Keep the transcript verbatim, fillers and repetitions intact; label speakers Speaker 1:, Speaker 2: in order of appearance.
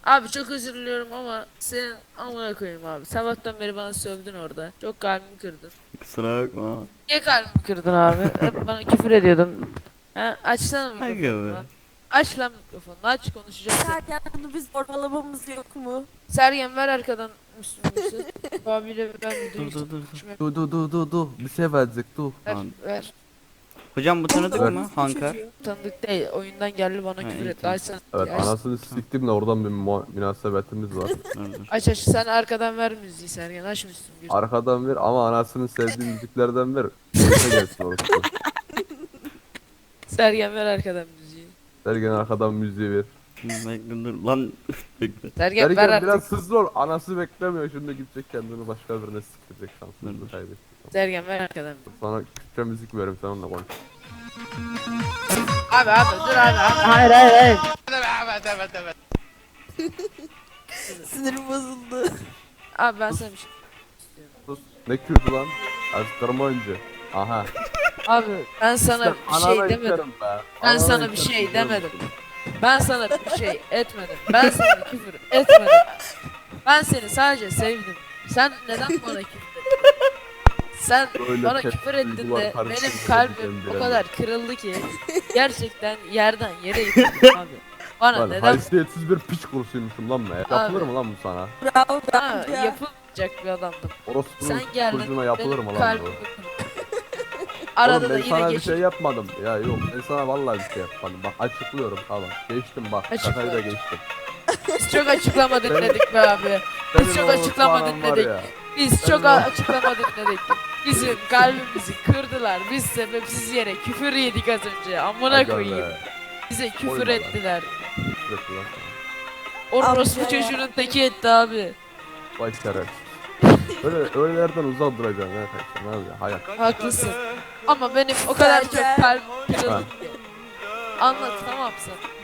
Speaker 1: Abi çok özür diliyorum ama senin amına koyayım abi. Sabahtan beri bana sövdün orada. Çok kalbimi kırdın.
Speaker 2: Kusura bakma.
Speaker 1: Niye kalbimi kırdın abi? Hep bana küfür ediyordun. Ha, açsana
Speaker 2: Aga
Speaker 1: mikrofonunu
Speaker 2: be.
Speaker 1: lan. Aç lan mikrofonunu, aç konuşacağız.
Speaker 3: Sergen biz ortalamamız yok mu?
Speaker 1: Sergen ver arkadan Müslüm Abiyle ben
Speaker 2: Dur
Speaker 1: videoyu
Speaker 2: dur dur.
Speaker 1: konuşmaya-
Speaker 4: Dur dur dur dur dur. Bir şey verecek dur.
Speaker 1: ver,
Speaker 2: Tamam.
Speaker 1: ver.
Speaker 2: Hocam bu tanıdık
Speaker 4: Evet.
Speaker 2: mı? Hankar.
Speaker 1: Tanıdık değil, oyundan geldi bana
Speaker 2: Ha,
Speaker 1: küfür
Speaker 2: iyi,
Speaker 1: etti.
Speaker 2: tamam.
Speaker 1: Aç sen.
Speaker 4: Evet
Speaker 1: aç,
Speaker 4: anasını siktim de oradan bir mu- münasebetimiz var.
Speaker 2: Dur dur.
Speaker 1: aç aç sen arkadan ver müziği Sergen, aç Müslüm Gürses.
Speaker 4: Arkadan ver ama anasını sevdiği müziklerden ver. Neyse gelsin orası.
Speaker 1: Sergen ver arkadan müziği.
Speaker 4: Sergen arkadan müziği ver.
Speaker 2: Bekle dur lan. Bekle.
Speaker 1: Sergen ver
Speaker 4: Sergen
Speaker 1: artık.
Speaker 4: biraz hızlı ol. Anası beklemiyor. Şimdi gidecek kendini başka birine siktirecek şansını
Speaker 2: Dur.
Speaker 4: kaybedecek.
Speaker 1: Sergen ver arkadan.
Speaker 4: Sana Kürtçe müzik veririm sen onunla konuş.
Speaker 1: Abi abi dur abi abi. Hayır hayır hayır.
Speaker 3: Sinirim bozuldu.
Speaker 1: Abi ben sana bir şey
Speaker 4: Sus. Ne Kürdü lan? Azıklarım önce. Aha.
Speaker 1: Abi ben sana bir şey
Speaker 4: Anana
Speaker 1: demedim.
Speaker 4: iterim be.
Speaker 1: Ben
Speaker 4: Anana
Speaker 1: sana bir
Speaker 4: iterim,
Speaker 1: şey
Speaker 4: biliyor
Speaker 1: demedim.
Speaker 4: musun?
Speaker 1: Ben sana bir şey etmedim. Ben sana küfür etmedim. Ben seni sadece sevdim. Sen neden bana küfür ettin? Sen
Speaker 4: Böyle
Speaker 1: bana
Speaker 4: kötü
Speaker 1: küfür ettin
Speaker 4: duygular
Speaker 1: de
Speaker 4: karışınca
Speaker 1: benim
Speaker 4: bizi
Speaker 1: kalbim o
Speaker 4: gönderelim.
Speaker 1: kadar kırıldı ki gerçekten yerden yere yıkıldım abi. Bana
Speaker 4: Lan
Speaker 1: neden
Speaker 4: haysiyetsiz bir piç kurusuymuşum lan be. Yapılır mı lan bu sana?
Speaker 3: Bravo
Speaker 1: bana
Speaker 3: bence.
Speaker 1: yapılmayacak bir adamdım.
Speaker 4: Orospunun
Speaker 1: Sen geldin
Speaker 4: çocuğuna yapılır mı
Speaker 1: benim
Speaker 4: lan
Speaker 1: kalbimi
Speaker 4: bu?
Speaker 1: kırdın. Arada
Speaker 4: Oğlum
Speaker 1: da
Speaker 4: ben
Speaker 1: yine
Speaker 4: sana bir
Speaker 1: geç.
Speaker 4: şey yapmadım. Ya yok ben sana vallahi bir şey yapmadım. Bak açıklıyorum tamam. Geçtim bak.
Speaker 1: Açıkla.
Speaker 4: Şakayı da geçtim.
Speaker 1: Biz çok açıklama dinledik be abi. Biz
Speaker 4: Senin
Speaker 1: çok
Speaker 4: o
Speaker 1: açıklama
Speaker 4: ıspanan var
Speaker 1: dinledik.
Speaker 4: ya.
Speaker 1: Biz çok
Speaker 4: Senin o-
Speaker 1: açıklama dinledik. Bizim kalbimizi kırdılar. Biz sebepsiz yere küfür yedik az önce. Amına
Speaker 4: Aga
Speaker 1: koyayım.
Speaker 4: be.
Speaker 1: Bize küfür
Speaker 4: Koyma lan.
Speaker 1: ettiler.
Speaker 4: Sürekli lan.
Speaker 1: Orospu
Speaker 3: Amca ya.
Speaker 1: çocuğunun teki etti abi.
Speaker 4: Vay şerefsiz. Öyle öylelerden uzak duracaksın ha kaçın abi. Hayat.
Speaker 1: Haklısın. Ama benim o kadar çok
Speaker 3: Sergen.
Speaker 1: kalbim kırıldı
Speaker 4: Ha.
Speaker 1: ki. Anlatamam sana.